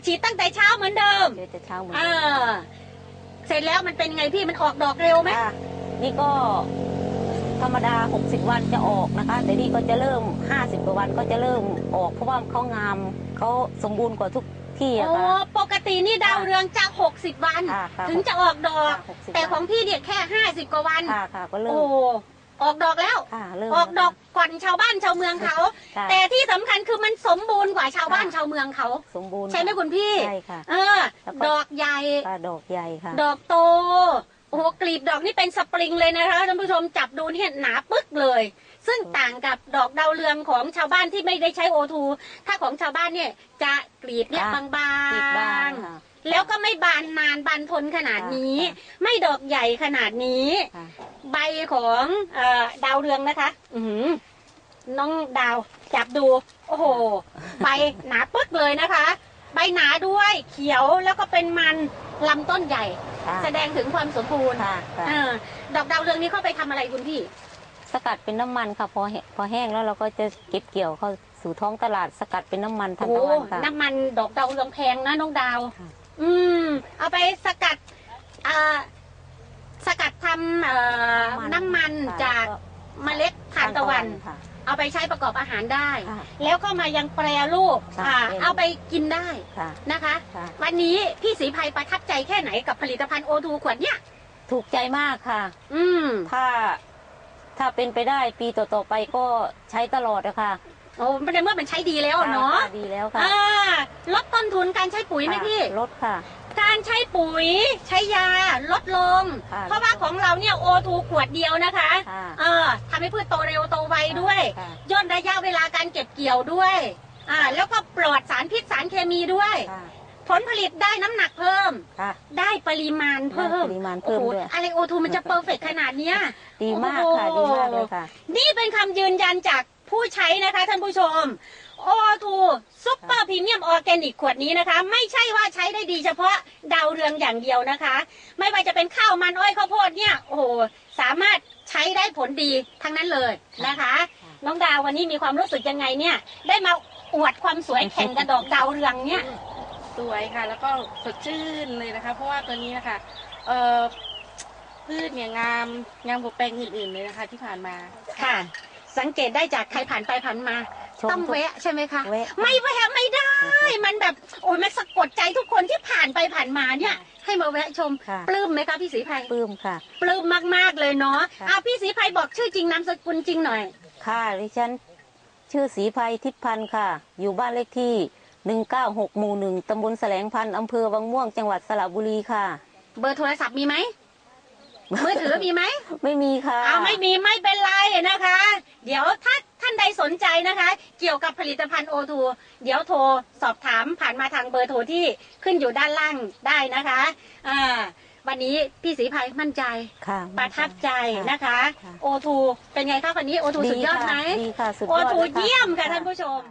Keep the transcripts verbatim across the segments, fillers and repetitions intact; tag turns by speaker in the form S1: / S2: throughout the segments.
S1: ฉีดตั้งแต่เช้าเหมือนเดิม
S2: แต่เช้าเหมือน
S1: เอ
S2: เดิม
S1: อเสร็จแล้วมันเป็นไงพี่มันออกดอกเร็วไหม
S2: นี่ก็ธรรมดาหกสิบวันจะออกนะคะแต่นี่ก็จะเริ่มห้าสิบกว่าวันก็จะเริ่มออกเพราะว่าเขางามเขาสมบูรณ์กว่าทุกที่อะค่ะ
S1: ปกตินี่ดาวเรืองจะหกสิบวันถึงจะออกดอกแต่ของพี่เนี่ยแค่ห้าสิบกว่าวัน
S2: ค่ะค่ะก็เริ่ม
S1: ออกดอกแล้วออกดอกก่อนชาวบ้านชาวเมืองเขาแต่ที่สำคัญคือมันสมบูรณ์กว่าชาวบ้านชาวเมืองเขา
S2: สมบูรณ์
S1: ใช่ไหมคุณพี่
S2: ใช่ค่ะ
S1: เออดอกใหญ่
S2: ดอกใหญ่ค่ะ
S1: ดอกโตโอ้โหกลีบดอกนี่เป็นสปริงเลยนะคะท่านผู้ชมจับดูเนี่ยหนาปึ๊กเลยซึ่งต่างกับดอกดาวเรืองของชาวบ้านที่ไม่ได้ใช้โอทูถ้าของชาวบ้านเนี่ยจะกลีบเนี่ยบางๆแล้วก็ไม่บานนานบานทนขนาดนี้ไม่ดอกใหญ่ขนาดนี้ใบของดาวเรืองนะคะอืน้องดาวจับดูโอ้โหใบหนาปึ๊กเลยนะคะใบหนาด้วยเขียวแล้วก็เป็นมันลำต้นใหญ่แสดงถึงความสมบูรณ์ดอกดาวเรืองนี้เข้าไปทำอะไรคุณพี่
S2: สกัดเป็นน้ำมันค่ะพอพอแห้งแล้วเราก็จะเก็บเกี่ยวเข้าสู่ท้องตลาดสกัดเป็นน้ำมันทางตะวันค่ะ
S1: น้ำมันดอกดาวเรืองแพงนะน้องดาวอืมเอาไปสกัดอ่าสกัดทำน้ำมันจากเมล็ดทานตะวันเอาไปใช้ประกอบอาหารได้แล้วก็มายังแปรรูปเอาไปกินได้นะคะวันนี้พี่ศรีภัยประทับใจแค่ไหนกับผลิตภัณฑ์โอทูขวดเนี้ย
S2: ถูกใจมากค่ะ
S1: อืม
S2: ถ้าถ้าเป็นไปได้ปีต่อๆไปก็ใช้ตลอดนะคะ
S1: โอ้ในเมื่อมันใช้ดีแล้วเนาะ
S2: ดีแล้วค่ะ
S1: ลดต้นทุนการใช้ปุ๋ยไหมพี่
S2: ลดค่ะ
S1: การใช้ปุ๋ยใช้ยาลดลงเพราะว่าของเราเนี่ยโอทูขวดเดียวนะคะเออทำให้พืชโตเร็วโตไวด้วยย่นระยะเวลาการเก็บเกี่ยวด้วยอ่าแล้วก็ปลอดสารพิษสารเคมีด้วยผลผลิตได้น้ำหนักเพิ่มได้ปริมาณเพิ่ม
S2: ปริมาณเพิ่มด้วย
S1: อะไรโอทูมันจะเพอร์เฟกต์ขนาดนี้
S2: ดีมากค่ะดีมากเลยค่ะ
S1: นี่เป็นคำยืนยันจากผู้ใช้นะคะท่านผู้ชมโอทูซุปเปอร์พรีเมียมออร์แกนิกขวดนี้นะคะไม่ใช่ว่าใช้ได้ดีเฉพาะดาวเรืองอย่างเดียวนะคะไม่ว่าจะเป็นข้าวมันอ้อยข้าวโพดเนี่ยโอ้โหสามารถใช้ได้ผลดีทั้งนั้นเลยนะคะน้องดาววันนี้มีความรู้สึกยังไงเนี่ยได้มาอวดความสวยแข่งกับดอกดาวเรืองเนี่ย
S3: สวยค่ะแล้วก็สดชื่นเลยนะคะเพราะว่าตัวนี้นะคะเอ่อพืชเนี่ยงามงามกว่าแปลงอื่นๆเลยนะคะที่ผ่านมา
S1: ค่ะสังเกตได้จากใครผ่านไปผ่านมาต้องแวะใช่ไหมคะไม่แวะไม่ได้มันแบบโอ้ยมันสะกดใจทุกคนที่ผ่านไปผ่านมาเนี่ยให้มาแวะชมปลื้มไหมคะพี่ศรีภัย
S2: ปลื้มค่ะ
S1: ปลื้มมากๆเลยเนาะอ่ะพี่ศรีภัยบอกชื่อจริงนามสกุลจริงหน่อย
S2: ค่ะดิฉันชื่อศรีภัยทิพย์พันธ์ค่ะอยู่บ้านเลขที่หนึ่งเก้าหกหมู่หนึ่งตำบลแสลงพันธ์อำเภอวังม่วงจังหวัดสระบุรีค่ะ
S1: เบอร์โทรศัพท์มีไหมมือถือมีไหม
S2: ไม่มีค่ะ
S1: อ้าวไม่มีไม่เป็นไรนะคะเดี๋ยวถ้าท่านใดสนใจนะคะเกี่ยวกับผลิตภัณฑ์โอทูเดี๋ยวโทรสอบถามผ่านมาทางเบอร์โทรที่ขึ้นอยู่ด้านล่างได้นะคะอ่าวันนี้พี่ศรีภัยมั่นใจประทับใจนะคะโอทูเป็นไงคะวันนี้โอทูสุดยอดไหม
S2: ดีค่ะสุดยอด
S1: โอทูเยี่ยมค่ะท่านผู้ชม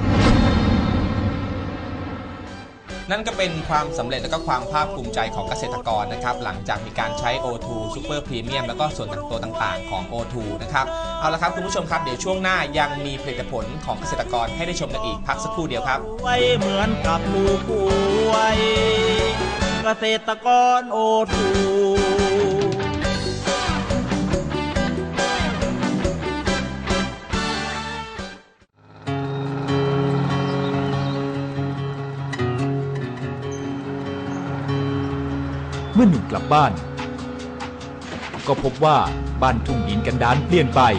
S4: นั่นก็เป็นความสำเร็จและก็ความภาคภูมิใจของเกษตรกรนะครับหลังจากมีการใช้ โอ ทู Super Premium แล้วก็ส่วนตัวต่างๆของ โอ ทู นะครับเอาละครับคุณผู้ชมครับเดี๋ยวช่วงหน้ายังมีผลิตผลของเกษตรกรให้ได้ชมกันอีกพักสักครู่เดียวครับ
S5: ไว้เหมือนกับลูกป่วยเกษตรกร โอ ทู
S6: เมื่อหนุ่มกลับบ้านก็พบว่าบ้านทุ่งดินกันดารเปลี่ยนไป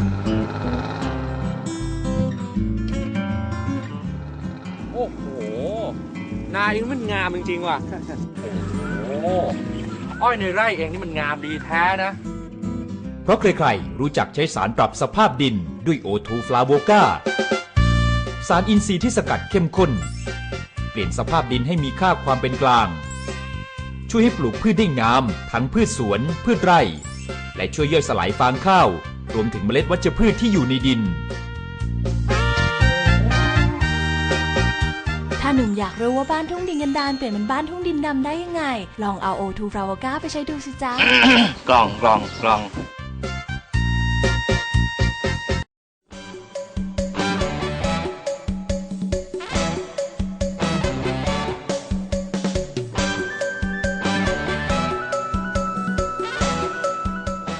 S7: โอ้โหนาเองมันงามจริงๆว่ะโอ้โหอ้อยในไร่เองนี่มันงามดีแท้นะ
S6: เพราะใครๆรู้จักใช้สารปรับสภาพดินด้วยโอทูฟลาโวก้าสารอินทรีย์ที่สกัดเข้มข้นเปลี่ยนสภาพดินให้มีค่าความเป็นกลางช่วยให้ปลูกพืชได้งามทั้งพืชสวนพืชไร่และช่วยย่อยสลายฟางข้าวรวมถึงเมล็ดวัชพืชที่อยู่ในดิน
S8: ถ้าหนุ่มอยากรู้ว่าบ้านทุ่งดินกันดารเปลี่ยนเป็นบ้านทุ่งดินดำได้ยังไงลองเอาโอทูฟลาวก้าไปใช้ดูสิจ๊ะ
S7: กล่องกล่องกล่อง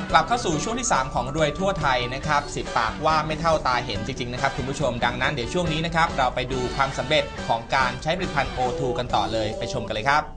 S4: กลับเข้าสู่ช่วงที่สามของรวยทั่วไทยนะครับสิบปากว่าไม่เท่าตาเห็นจริงๆนะครับคุณผู้ชมดังนั้นเดี๋ยวช่วงนี้นะครับเราไปดูความสำเร็จของการใช้ผลิตภัณฑ์ โอ ทู กันต่อเลยไปชมกันเลยครับ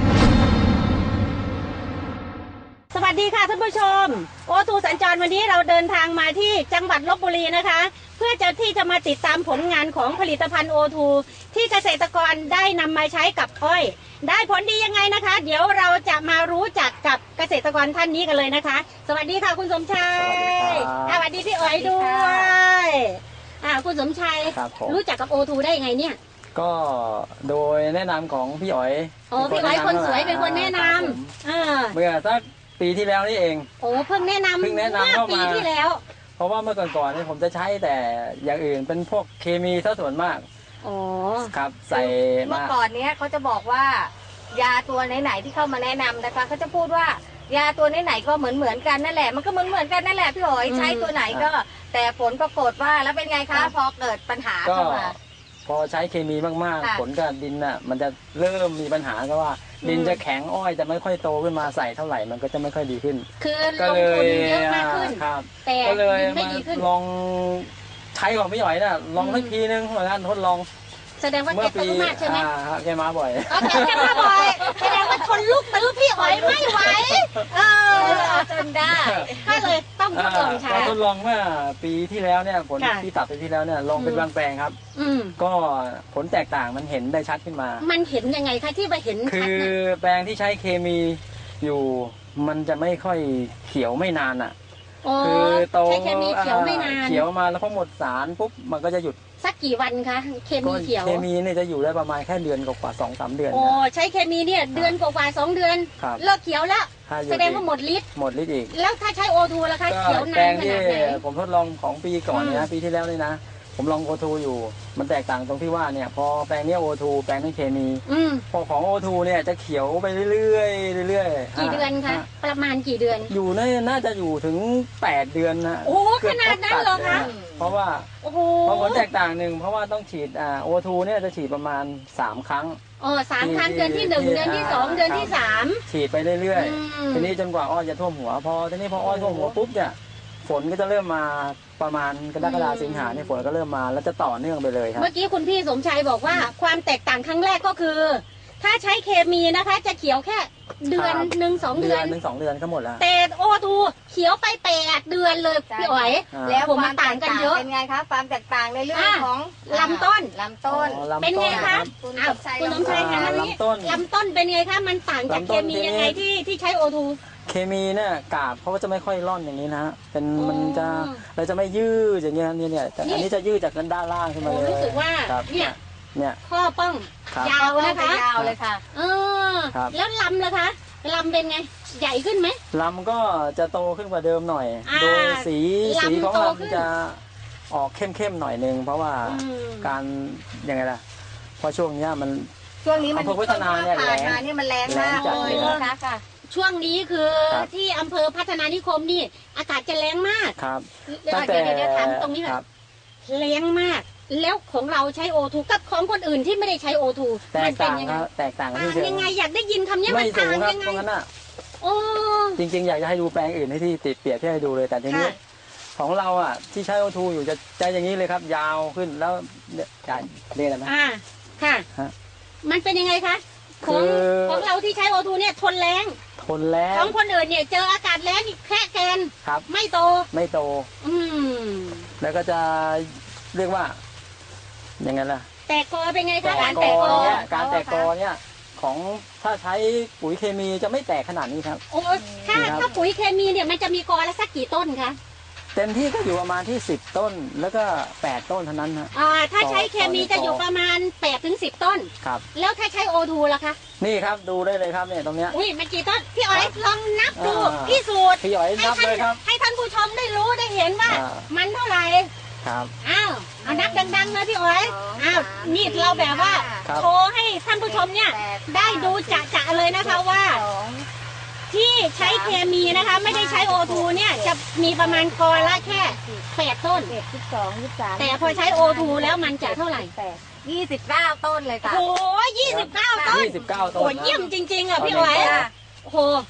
S1: สวัสดีค่ะท่านผู้ชมโอทูสัญจรวันนี้เราเดินทางมาที่จังหวัดลพบุรีนะคะเพื่อจะที่จะมาติดตามผลงานของผลิตภัณฑ์ โอ ทู ที่เกษตรกรได้นำมาใช้กับอ้อยได้ผลดียังไงนะคะ เดี๋ยวเราจะมารู้จักกับเกษตรกรท่านนี้กันเลยนะคะสวัสดีค่ะคุณสมชัยสวัสดีพี่อ๋อยด้วยอ่าคุณสมชัยรู้จักกับ โอ ทู ได้ยังไงเนี่ย
S9: ก็โดยแนะนำของพี่อ๋อย
S1: โอ้พี่อ๋อยคนสวยเป็นคนแนะนำอ่า
S9: เมื่อสักปีที่แล้วนี่เอง
S1: โอ้เพิ่งแนะนำ
S9: เพิ่งแนะนำเข้ามา
S1: ปีที่แล้ว
S9: เพราะว่าเมื่อก่อนๆนี่ผมจะใช้แต่อย่างอื่นเป็นพวกเคมีซะส่วนมาก
S1: อ๋อ
S9: ครับใส่
S10: เมื่อก่อนเนี้ยเขาจะบอกว่ายาตัวไหนๆที่เข้ามาแนะนำนะคะเขาจะพูดว่ายาตัวไหนๆก็เหมือนเหมือนกันนั่นแหละมันก็เหมือนเหมือนกันนั่นแหละพี่หอยใช้ตัวไหนก็แต่ผลปรากฏว่าแล้วเป็นไงคะพอเกิดปัญหาเข้ามา
S9: พอใช้เคมีมากๆผลกับดินน่ะมันจะเริ่มมีปัญหาก็ว่าดินจะแข็งอ้อยจะไม่ค่อยโตขึ้นมาใส่เท่าไหร่มันก็จะไม่ค่อยดีขึ้น
S1: คือลงทุนเยอะมากขึ้นแต่ดินไม่ดีขึ้น
S9: ลองใช้ของพี่หอยน่ะลองสักทีนึงเหมือนกันทดลอง
S1: แสดงว่าแกตื้อมากใช่ไหม
S9: แกมาบ่อย
S1: แกมาบ่อยแสดงว่าทนลูกตื้อพี่อ๋อยไม่ไหวเออจนได้ก็เลยต้องทดลองใช้
S9: ทดลองเมื่อปีที่แล้วเนี่ยผลที่ตัดปีที่แล้วเนี่ยลองเป็นบางแปลงครับก็ผลแตกต่างมันเห็นได้ชัดขึ้นมา
S1: มันเห็นยังไงคะที่ไปเห็น
S9: คือแปลงที่ใช้เคมีอยู่มันจะไม่ค่อยเขียวไม่นานอ่ะ
S1: คือโตใช้เคมีเขียวไม่นาน
S9: เขียวมาแล้วพอหมดสารปุ๊บมันก็จะหยุด
S1: สักกี่วันคะเคมีเขียว
S9: เคมีเนี่ยจะอยู่ได้ประมาณแค่เดือนกว่าสองสามเดือน
S1: โอ้ใช้เคมีเนี่ยเดือนกว่าสองเดือนเลิกเขียวแล้วแสดงว่าหมดฤทธิ์
S9: หมดฤทธิ์อีก
S1: แล้วถ้าใช้ โอ ทู ล่ะคะเขียวนานขนาดไหน
S9: ผมทดลองของปีก่อนนะปีที่แล้วนี่นะผมลอง โอ ทู อยู่มันแตกต่างตรงที่ว่าเนี่ยพอแปลงนี้ โอ ทู แปลงนี้เคมีพอของ โอ ทู เนี่ยจะเขียวไปเรื่อยๆเรื่อย
S1: ๆกี่เดือนคะประมาณกี่เดือน
S9: อยู่น่าจะอยู่ถึงแปดเดือนนะ
S1: โอ้ขนาดนั้นเหรอคะ
S9: เพราะว่าเพราะผลแตกต่างหนึ่งเพราะว่าต้องฉีดอ่า โอ ทู เนี่ยจะฉีดประมาณสามครั้ง
S1: อ๋อสามครั้งเดือนที่หนึ่งเดือนที่สองเดือนที่สาม
S9: ฉีดไปเรื่อยๆทีนี้จนกว่าอ้อยจะท่วมหัวพอทีนี้พออ้อยท่วมหัวปุ๊บเนี่ยฝนก็จะเริ่มมาประมาณกรกฎาคมสิงหาเนี่ยฝนก็เริ่มมาแล้วจะต่อเนื่องไปเลยครับ
S1: เมื่อกี้คุณพี่สมชัยบอกว่าความแตกต่างครั้งแรกก็คือถ้าใช้เคมีนะคะจะเขียวแค่เดือนหนึ่งสองเดือน
S9: หนึ่งสองเดือนก็หมดแล้ว
S1: แต่ โอ ทู เขียวไปแปดเดือนเลยพี่อ๋อย
S10: แล้วผมต่างกันเยอะเป็นไงคะความแตกต่างในเรื่องของ
S1: ลำต้น
S10: ลำต้น
S1: เป็นไงคะคุณสมชัยคะลำต้นลำต้นเป็นไงคะมันต่างจากเคมียังไงที่ที่ใช้ โอ ทู
S9: เคมีเนี่ยกาบเขาก็จะไม่ค่อยร่อนอย่างนี้นะเป็นมันจะเราจะไม่ยืดอย่างเงี้ยเนี่ยเนี่ยแต่อันนี้จะยืดจากด้านล่างขึ้นมาเลย
S1: รู้สึกว่าเนี่ย
S9: เนี่ย
S1: ข้อป้องยาวนะคะ
S10: ยาวเลยค่ะ
S1: เออแล้วลำล่ะคะลำเป็นไงใหญ่ขึ้นไหม
S9: ลำก็จะโตขึ้นกว่าเดิมหน่อยโดยสีสีของลำจะออกเข้มๆหน่อยนึงเพราะว่าการยังไงล่ะเพราะช่วงนี้มัน
S10: ช่วงนี้มัน
S9: พัฒนาเนี่ยแรง
S10: นี่มันแรงมากเลยนะคะ
S1: ช่วงนี้คือที่อำเภอพัฒนานิคมนี่อากาศจะแรงมาก
S9: ครับ
S1: เดี๋ยวเดี๋ยวถามตรงนี้แบบแรงมากแล้วของเราใช้ โอ ทู กับของคนอื่นที่ไม่ได้ใช้ โอ ทู
S9: มันเป็นยังไง
S1: แตกต่างยังไงอยากได้ยินคำนี้มันต่างยังไงโอ้
S9: จริงๆอยากจะให้ดูแปลงอื่นให้ที่ติดเปรียบที่ให้ดูเลยแต่ทีนี้ของเราอ่ะที่ใช้ โอ ทู อยู่จะใจอย่างนี้เลยครับยาวขึ้นแล้วจะเรียกอะไรนะ
S1: อ่าค่ะมันเป็นยังไงคะของของเราที่ใช้ โอ ทู เนี่ยทนแรง
S9: ทนแรง
S1: ของคนอื่นเนี่ยเจออากาศแรงแค่แกน
S9: ครับ
S1: ไม่โต
S9: ไม่โต
S1: อืม
S9: แล้วก็จะเรียกว่ายังไงล่ะ
S1: แตกกอเป็นไงคะ
S9: การแตกกอเนี่ยการแตกกอเนี่ยของถ้าใช้ปุ๋ยเคมีจะไม่แตกขนาดนี้ครับ
S1: โอ้ถ้าถ้าปุ๋ยเคมีเนี่ยมันจะมีกอละสักกี่ต้นคะ
S9: เต็มที่ก็อยู่ประมาณที่สิบต้นแล้วก็แปดต้นเท่านั้นฮะ
S1: อ่าถ้าใช้เคมีจะอยู่ประมาณแปดถึงสิบต้น
S9: ครับ
S1: แล้วถ้าใช้ โอ ทู ล่ะคะ
S9: นี่ครับดูได้เลยครับเนี่ยตรงเนี้ย
S1: อุ้ยมันกี่ต้นพี่อ๋อยลองนับดูพี่สูตร
S9: พี่อ๋อยนับเลยครับ
S1: ให้ท่านผู้ชมได้รู้ได้เห็นว่ามันเท่าไหร่
S9: ครับ
S1: อ้าวเอานับดังๆนะพี่อ๋อยอ้าวนี่เราแบบว่าโชว์ให้ท่านผู้ชมเนี่ยได้ดูจะๆเลยนะคะว่าที่ใช้เคมีนะคะไม่ได้ใช้ โอ ทู เนี่ยจะมีประมาณกอละแค่แปดต้น
S10: สิบสองสิบสาม
S1: แต่พอใช้ โอ ทู แล้วมันจะเท่าไหร่
S10: ยี่สิบเก้าต้นเลยค่ะ
S1: โอ้ยี่สิบเก้าต้น
S9: ยี่สิบเก้าต้น
S1: โอ้เยี่ยมจริงๆอ่ะพี่อ๋อยโอ้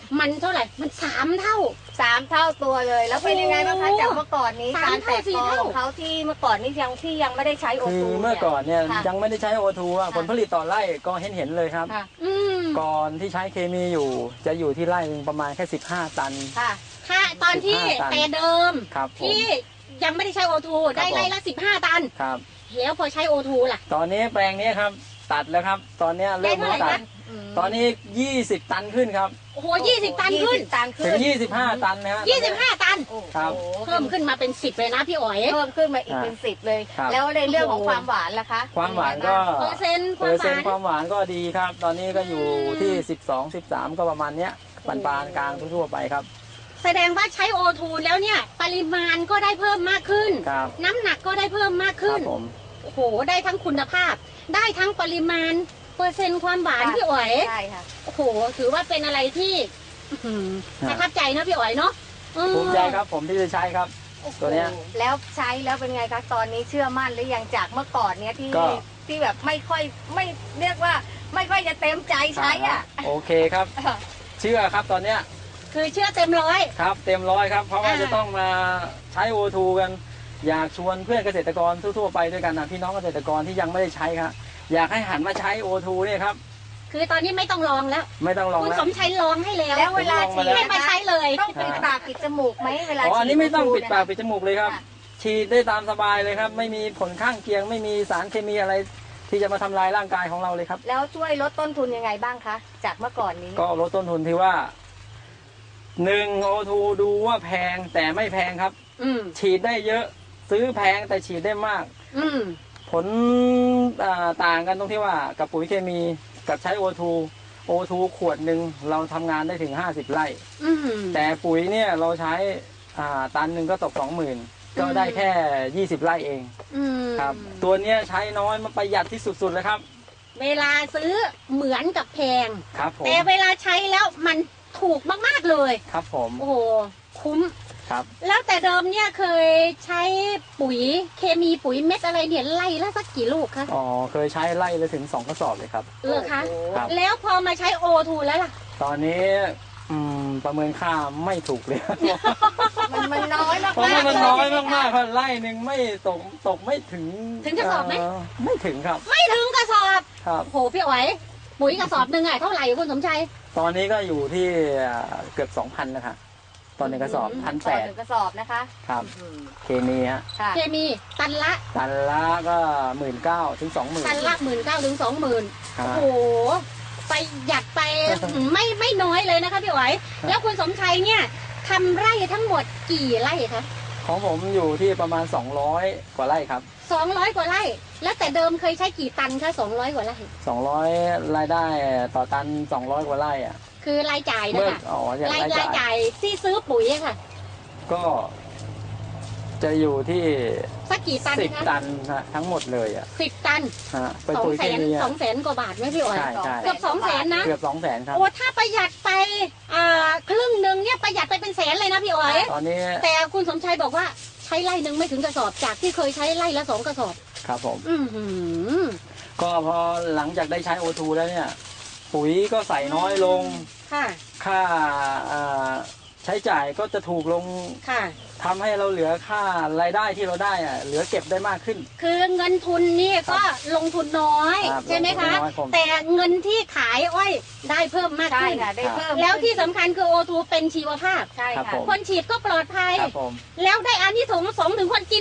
S1: มันเท่าไหร่มันสามเท่า
S10: สามเท่าตัวเลย แล้วเป็นยังไงบ้างคะ
S1: โอ้
S10: จากเมื่อก่อนนี้
S1: สาม
S10: การแตก
S1: เท่าสี่
S10: กอ
S1: เท่า
S10: ของเขาที่เมื่อก่อนนี้ยังที่ยังไม่ได้ใช้โอ
S9: คือ
S10: ทู
S9: เมื่อก่อนเนี่ย
S10: ค่ะ
S9: ยังไม่ได้ใช้โอทูอ่ะ
S10: ค่ะ
S9: ผลผลิตต่อไร่ก็เห็นเห็นๆเลยครับ
S10: ค่ะ
S1: อืม
S9: ก่อนที่ใช้เคมีอยู่จะอยู่ที่ไร่หนึ่งประมาณแค่สิบห้าตัน
S10: ค่ะ
S1: ถ้าตอนที่
S9: สิบห้าตัน
S1: แต่เดิม
S9: ครับผม
S1: ที่ยังไม่ได้ใช้โอทู
S9: ครับ
S1: ได้ไร่ละสิบห้าตัน
S9: ครับ
S1: แล้วพอใช้โอทูล่ะ
S9: ตอนนี้แปลงนี้ครับตัดแล้วครับ ตอนนี้เริ่ม
S1: ได้เท่าไหร่
S9: ตัด
S1: คะ
S9: ตอนนี้ยี่สิบตันขึ้นครับ
S1: โอ้โหยี่สิบตันขึ้น
S10: ยี่สิบตันขึ้
S9: ถึ
S10: น
S9: งยี่สิบห้าตันนะฮะ
S1: ยี่สิบห้าตัน
S10: โอ้โห
S9: ครับ
S1: เพิ่มขึ้นมาเป็นสิบเลยนะพี่อ๋อย
S10: เพิ่มขึ้นมาอีกเป็นสิบเลย
S9: ครับ
S10: แล้วในเรื่องของความหวานล่ะคะ
S9: ความหวานก็
S1: เปอร์เซ็นต์ค
S9: เป
S1: วา
S9: อ
S1: ม
S9: ร์
S1: ห
S9: เซ็น
S1: วาน
S9: ต์ความหวานก็ดีครับ ตอนนี้ก็อยู่ที่สิบสอง สิบสามก็ประมาณเนี้ยปานปานๆกลางทั่วๆไปครับ
S1: แสดงว่าใช้โอทูแล้วเนี่ย ปริมาณก็ได้เพิ่มมากขึ้น
S9: ครับ
S1: น้ำหนักก็ได้เพิ่มมาก
S9: ครั
S1: ขึ้น
S9: บผม
S1: โอ้โห ได้ทั้งคุณภาพ ได้ทั้งปริมาณ เปอร์เซ็นต์ความหวาน
S10: ค่ะ
S1: พี่อ๋อย
S10: ใช่ค่ะ
S1: โอ้โห ถือว่าเป็นอะไรที่อื้อหือ
S9: ครับ
S1: ประทับใจนะพี่อ๋อยเนาะอืม
S9: ภูมิใจครับผมที่จะใช้ครับ ตัวเนี้ย
S10: แล้วใช้แล้วเป็นไงคะตอนนี้เชื่อมั่นหรือยังจากเมื่อก่อนเนี้ยที่
S9: ก็
S10: ที่แบบไม่ค่อยไม่เรียกว่าไม่ค่อยจะเต็มใจใช้อ่ะ
S9: โอเคครับ เชื่อครับตอนเนี้ย
S1: คือเชื่อเต็มร้อย
S9: ครับเต็มร้อยครับ เพราะว่า
S1: อ่า
S9: จะต้องมาใช้โอทูกัน อยากชวนเพื่อนเกษตรกรทั่วๆไปด้วยกันนะพี่น้องเกษตรกรที่ยังไม่ได้ใช้ครับอยากให้หันมาใช้โอทูเนี่ยครับ
S1: คือตอนนี้ไม่ต้องลองแล้ว
S9: ไม่ต้องลอง
S1: คุณ
S9: แล้ว
S1: สมชัยลองให้แล้ว
S10: แล้วเวลาฉีด
S1: ให้มาใช้เลย
S10: ต้องปิดปากปิดจมูกไหมเวลา
S9: อ๋ออันนี้ไม่ต้อง
S10: ฉี
S9: ปิดปากปิดจมูกเลยครับ
S10: ค่ะ
S9: ฉีดได้ตามสบายเลยครับ ไม่มีผลข้างเคียง ไม่มีสารเคมีอะไร ที่จะมาทำลายร่างกายของเราเลยครับ
S10: แล้วช่วยลดต้นทุนยังไงบ้างคะจากเมื่อก่อนนี้
S9: ก็ลดต้นทุนที่ว่าหนึ่งโอทูดูว่าแพงแต่ไม่แพงครับ
S1: อืม
S9: ฉีดได้เยอะซื้อแพงแต่ฉีดได้มาก
S1: อืม
S9: ผลอ่าต่างกันตรงที่ว่ากับปุ๋ยเคมีกับใช้โอทูโอทูขวดหนึ่งเราทำงานได้ถึงห้าสิบไร่
S1: อืม
S9: แต่ปุ๋ยเนี่ยเราใช้อ่าตันหนึ่งก็ตกสองหมื่นก็ได้แค่ยี่สิบไร่เอง
S1: อืม
S9: ครับ ตัวเนี้ยใช้น้อยมันประหยัดที่สุดๆเลยครับ
S1: เวลาซื้อเหมือนกับแพง
S9: ครับผม
S1: แต่เวลาใช้แล้วมันถูกมากๆเลย
S9: ครับผม
S1: โอ้โห คุ้ม
S9: ครับ
S1: แล้วแต่เดิมเนี่ยเคยใช้ปุ๋ยเคมีปุ๋ยเม็ดอะไรเนี่ยไล่ละสักกี่ลูกคะ
S9: อ๋อเคยใช้ไล่เลยถึงสองกระสอบเลยครับ
S1: เลอคะ
S9: ครับ
S1: แล้วพอมาใช้โอทูแล้วล่ะ
S9: ตอนนี้อืมประเมินค่าไม่ถูกเลย
S10: มันมันน้อยมาก
S9: เพราะว่ามันน้อยมากๆครับไร่หนึ่งไม่ตกตกไม่ถึง
S1: ถึงกระสอบไหม
S9: เไม่ถึงครับ
S1: ไม่ถึงกระสอบ
S9: ครับ
S1: โอ้โหพี่อ๋อย ปุ๋ยกระสอบหนึ่งอะเท่าไหร่คุณสมชัย
S9: ตอนนี้ก็อยู่ที่เกือบสองพันแล้วครับตอนหนึ่งกระสอบพัน
S10: ต่
S9: แป
S10: อ
S9: ด
S10: หนึ่งกระสอบนะคะ
S9: ครับ
S10: อืม
S9: เคมีฮะ
S10: ค่ะ
S1: เคมีตันละ
S9: ตันละก็หมื่นเก้าถึงสองหมื่น
S1: ตันละหมื่นเก้าถึงสองหมื่น
S9: ครั
S1: โอ้
S9: บ
S1: โหไปหยัดไปไม่ไม่น้อยเลยนะคะพี่อ๋อย แล้วคุณสมชัยเนี่ยทำไร่ทั้งหมดกี่ไร่คะ
S9: ของผมอยู่ที่ประมาณสองร้อยกว่าไร่ครับ
S1: สองร้อยกว่าไร่ แล้วแต่เดิมเคยใช้กี่ตันคะสองร้อยกว่าไร่
S9: สองร้อยรายได้ต่อตันสองร้อยกว่าไร่อ่ะ
S1: คือรายจ่ายนะ
S9: เมื่อ
S1: คะ
S9: อ๋ออย่าง
S1: ราย
S9: ราย
S1: ราย
S9: จ่าย
S1: จ่ายที่ซื้อปุ๋ยอะค่ะ
S9: ก็จะอยู่ที่
S1: สักกี่ตัน
S9: สิบ
S1: คะ
S9: ตันฮะทั้งหมดเลยอ่ะ
S1: สิบตัน
S9: ฮะเป็น
S1: สอง
S9: ปุ๋ย
S1: แส
S9: เคน มี
S1: ส
S9: อะ
S1: องแสนกว่าบาทไหมพี่อ๋อย
S9: ใช่ใช่
S1: เกือบสองแสนนะ
S9: เกือบสองแสนครับ
S1: โอ้ถ้าประหยัดไปอ่าครึ่งหนึ่งเนี่ยประหยัดไปเป็นแสนเลยนะพี่อ๋อย
S9: ตอนนี้
S1: แต่คุณสมชัยบอกว่าใช้ไร่หนึ่งไม่ถึงกระสอบจากที่เคยใช้ไร่ละสองกระสอบ
S9: ครับผม
S1: อือหือ
S9: ก็พอหลังจากได้ใช้โอทูแล้วเนี่ย ปุ๋ยก็ใส่น้อยลง
S1: ค่ะ
S9: ค่าอ่าใช้จ่ายก็จะถูกลง
S1: ค่ะ
S9: ทำให้เราเหลือค่ารายได้ที่เราได้อะเหลือเก็บได้มากขึ้น
S1: คือเงินทุนนี่ก็ลงทุนน้อย
S9: ครับ
S1: ใช่ไหมคะ
S9: ลงทุนน้อยผม
S1: แต่เงินที่ขายอ้อยได้เพิ่มมาก
S10: ใช่
S1: ขึ้น
S10: ค่ะได้เพิ่ม
S1: แล้วที่สำคัญคือโอทูเป็นชีวภาพ
S10: ใช่
S9: ครับ
S10: ค่ะ
S9: ผม
S1: คนฉีดก็ปลอดภัย
S9: ครับผม
S1: แล้วได้อานิสงส์สองถึงคนกิน